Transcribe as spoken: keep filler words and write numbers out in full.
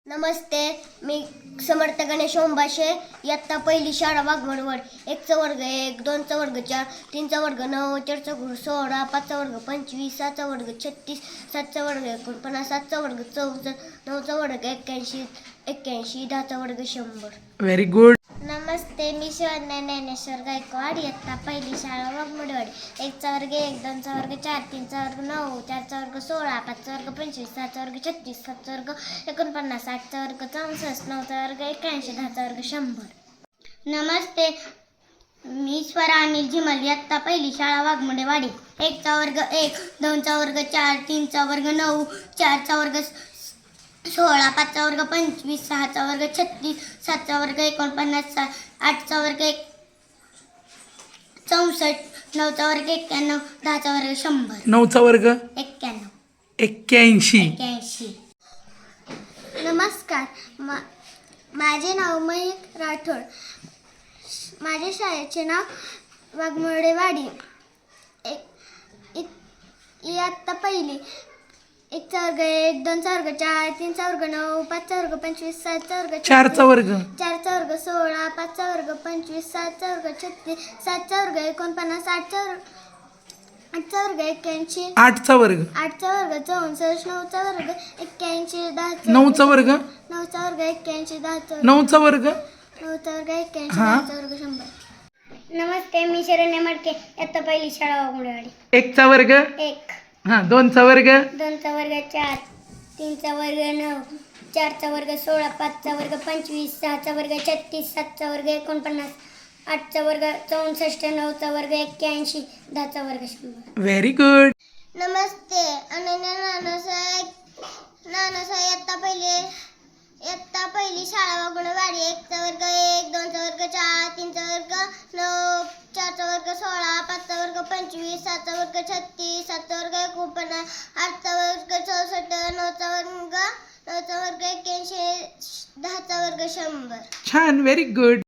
नमस्ते, मी समर्थ गणेश ओंबाशे. इयत्ता पहिली शाळा वाघमोडवड. एकचा वर्ग एक, दोनचा वर्ग चार, तीनचा वर्ग नऊ, चारचा वर्ग सोळा, पाचचा वर्ग पंचवीस, सहाचा वर्ग छत्तीस, सातचा वर्ग एकोणपन्नास, सातचा वर्ग चौसष्ट, नऊचा वर्ग एक्क्याऐंशी एक्क्याऐंशी दहाचा वर्ग शंभर. Very good. नमस्ते, मी शिवज्ञान ज्ञानेश्वर गायकवाड. इयत्ता पहिली शाळा वाघमोडवड. एकचा वर्ग एक, दोनचा वर्ग चार, तीनचा वर्ग नऊ, चारचा वर्ग सोळा, पाचचा वर्ग पंचवीस, सहाचा वर्ग छत्तीस, सातचा वर्ग एकोणपन्नास, आठचा वर्ग चौसष्ट, नऊचा वर्ग एक्क्याऐंशी, दहाचा वर्ग शंभर. नमस्ते, मी स्वरा अनिल झिमल. इयत्ता पहिली शाळा वाघमोडेवाडी. एकचा वर्ग एक, दोनचा वर्ग चार, तीनचा वर्ग नऊ, चारचा वर्ग सोळा, पाचचा वर्ग पंचवीस, सहाचा वर्ग छत्तीस, सातचा वर्ग एकोणपन्नास, आठचा वर्ग एक चौसष्ट, नऊचा वर्ग एक्क्याण्णव, दहाचा वर्ग शंभर. नऊचा वर्ग एक्क्याण्णव एक्क्याऐंशी. एक्क्याऐंशी. नमस्कार, मा माझे नाव मयंक राठोड. माझ्या शाळेचे नाव वाघमोडेवाडी. एक इयत्ता पहिली. एकचा वर्ग एक, दोनचा वर्ग चार, तीनचा वर्ग नऊ, पाचचा वर्ग पंचवीस, सातचा वर्ग चारचा वर्ग चारचा वर्ग सोळा, पाचचा वर्ग पंचवीस, सातचा वर्ग छत्तीस, सातचा वर्ग एकोणपन्नास, आठचा वर्ग आठचा वर्ग एक्क्याऐंशी, आठचा वर्ग आठचा वर्ग चौसष्ट, नऊचा वर्ग एक्क्याऐंशी, दहाचा नऊचा वर्ग नऊचा वर्ग एक्क्याऐंशी, दहाचा नऊचा वर्ग नऊचा वर्ग एक्क्याऐंशी, हा. दहाचा वर्ग शंभर. नमस्ते, मी शरण्य मडके. इयत्ता पहिली शाळा वाघमोडेवाडी. एकचा वर्ग एक, हा दोनचा वर्ग दोनचा वर्ग चार, तीनचा वर्ग नऊ, चारचा वर्ग सोळा, पाचचा वर्ग पंचवीस, सहाचा वर्ग छत्तीस, सातचा वर्ग एकोणपन्नास, आठचा वर्ग चौसष्ट, नऊचा वर्ग एक्क्याऐंशी, दहाचा वर्ग शंभर. Very good. नमस्ते, अनन्या नानासाहेब नानासाहेब इयत्ता पहिली इयत्ता पहिली शाळा वाघमोडेवाडी. एकचा वर्ग एक, दोनचा वर्ग चार, तीनचा वर्ग नऊ, चारचा वर्ग सोळा, पाचचा वर्ग पंचवीस, सातचा वर्ग छत्तीस, सातचा वर्ग एकोणपन्नास, आठचा वर्ग चौसष्ट, नऊचा वर्ग नऊचा वर्ग एक्क्याऐंशी, दहाचा वर्ग शंभर. छान. Very good.